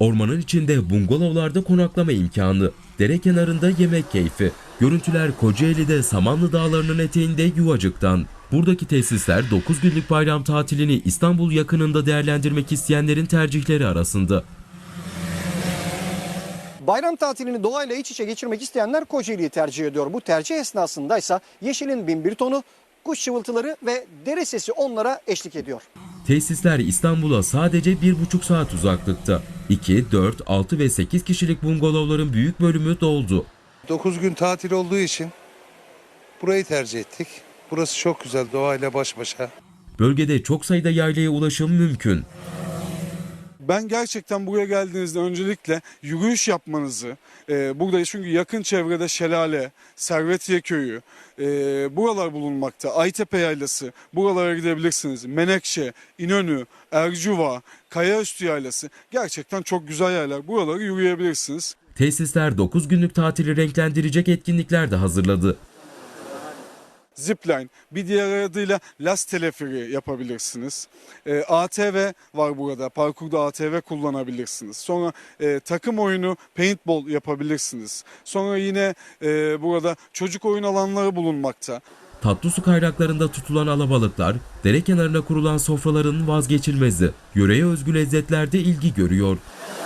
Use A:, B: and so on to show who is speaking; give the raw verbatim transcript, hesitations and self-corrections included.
A: Ormanın içinde bungalovlarda konaklama imkanı, dere kenarında yemek keyfi. Görüntüler Kocaeli'de Samanlı Dağları'nın eteğinde Yuvacık'tan. Buradaki tesisler dokuz günlük bayram tatilini İstanbul yakınında değerlendirmek isteyenlerin tercihleri arasında.
B: Bayram tatilini doğayla iç içe geçirmek isteyenler Kocaeli'yi tercih ediyor. Bu tercih esnasındaysa yeşilin bin bir tonu, kuş çıvıltıları ve dere sesi onlara eşlik ediyor.
A: Tesisler İstanbul'a sadece bir buçuk saat uzaklıkta. iki, dört, altı ve sekiz kişilik bungalovların büyük bölümü doldu.
C: dokuz gün tatil olduğu için burayı tercih ettik. Burası çok güzel, doğayla baş başa.
A: Bölgede çok sayıda yaylaya ulaşım mümkün.
D: Ben gerçekten buraya geldiğinizde öncelikle yürüyüş yapmanızı, e, burada çünkü yakın çevrede Şelale, Servetiye Köyü, e, buralar bulunmakta. Aytepe Yaylası, buralara gidebilirsiniz. Menekşe, İnönü, Ercuva, Kayaüstü Yaylası gerçekten çok güzel yerler. Buraları yürüyebilirsiniz.
A: Tesisler dokuz günlük tatili renklendirecek etkinlikler de hazırladı.
D: Zipline, bir diğer adıyla Las Teleferi yapabilirsiniz. E, A T V var burada. Parkurda A T V kullanabilirsiniz. Sonra e, takım oyunu paintball yapabilirsiniz. Sonra yine e, burada çocuk oyun alanları bulunmakta.
A: Tatlı su kaynaklarında tutulan alabalıklar, dere kenarına kurulan sofraların vazgeçilmezi. Yöreye özgü lezzetlerde ilgi görüyor.